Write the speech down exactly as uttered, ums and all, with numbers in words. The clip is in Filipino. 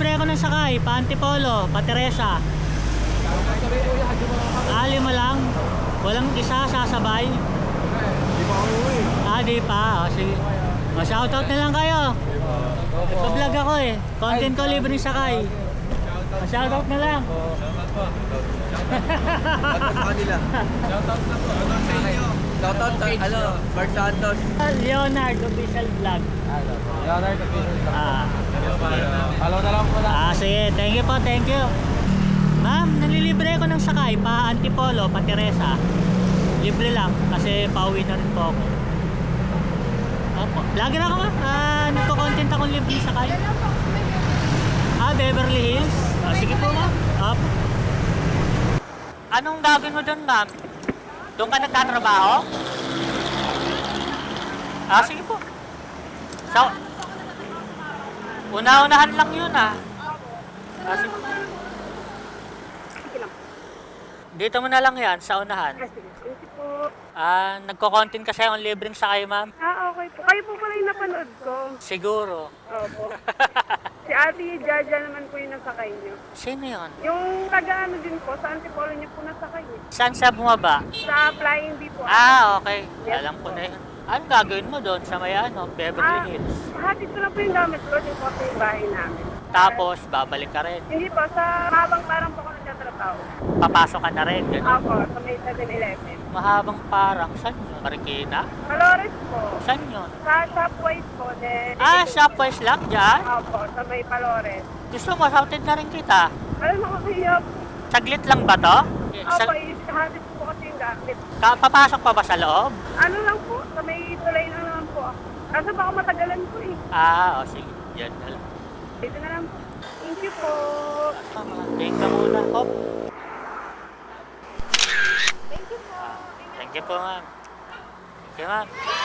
nanlilibre ako ng sakay, pa Antipolo, pa Teresa. Ah, lima lang. Walang isa sasabay. Di pa ako uwi. Ah, di pa. O, sige. O, shoutout na lang kayo. Nagpa-vlog ako eh. Content ko, libre ng sakay. O, shoutout na lang. Shoutout sa kanila. Shoutout na po. Shoutout sa inyo. Shoutout sa, ano, Mark Santos. Leonard Official Vlog. Leonard Official Vlog. Ah. Follow na lang po na. Ah, sige. Thank you po, thank you. Ma'am, nanlilibre ako ng sakay, pa Antipolo, pa Teresa. Libre lang, kasi pauwi na rin po ako. Opo. Vlogger ako ma'am. Ah, nagko-content akong libre ng sakay. Ah, Beverly Hills. Ah, sige po ma'am. Opo. Anong gagawin mo doon ma'am? Doon ka nagtatrabaho? Ah, sige po. So, una-unahan lang yun ah. Ah, sige po. Dito mo na lang yan, sa unahan. Ah, sige. Thank you po. Ah, nagko-content kasi ang libreng sakay ma'am. Ah, okay po. Kayo po pala yung napanood ko. Siguro. Opo. Si Ate Jaja naman po yung nasakay niyo. Sino yun? Yung taga-ano din po, sa Antipolo niyo po nasakay eh. Saan siya bumaba? Sa Flying B po. Ah, okay. Yes. Alam ko na yun. Anong gagawin mo doon sa may ano, Beverly Ah, Hills? hatid ko lang po yung gamit ko. Yung po sa yung bahay namin. Tapos, babalik ka rin. Hindi po, sa habang parang po ako nagtatrabaho. Papasok ka na rin. Ganun. Opo, sa may seven eleven. Mahabang parang. Saan yun? Marikina? Malores po. Saan yun? Sa Shopwise po. Then, Ah, Shopwise lang dyan? Opo, sa may Palores. Gusto mo, shouted na rin kita. Alam mo ko kayo. Saglit lang ba to? Eh, Sa, Opo, hatid po kasi yung gamit. ka, papasok pa ba sa loob? Ano lang po, sa may tulay na naman po ako. Kaso baka matagalan po eh. Ah, o sige. Yan na lang. Dito na lang po. Thank you po. Tama. Take ka muna. Hop. Thank you po. Thank you po, ma'am. Thank you, ma'am.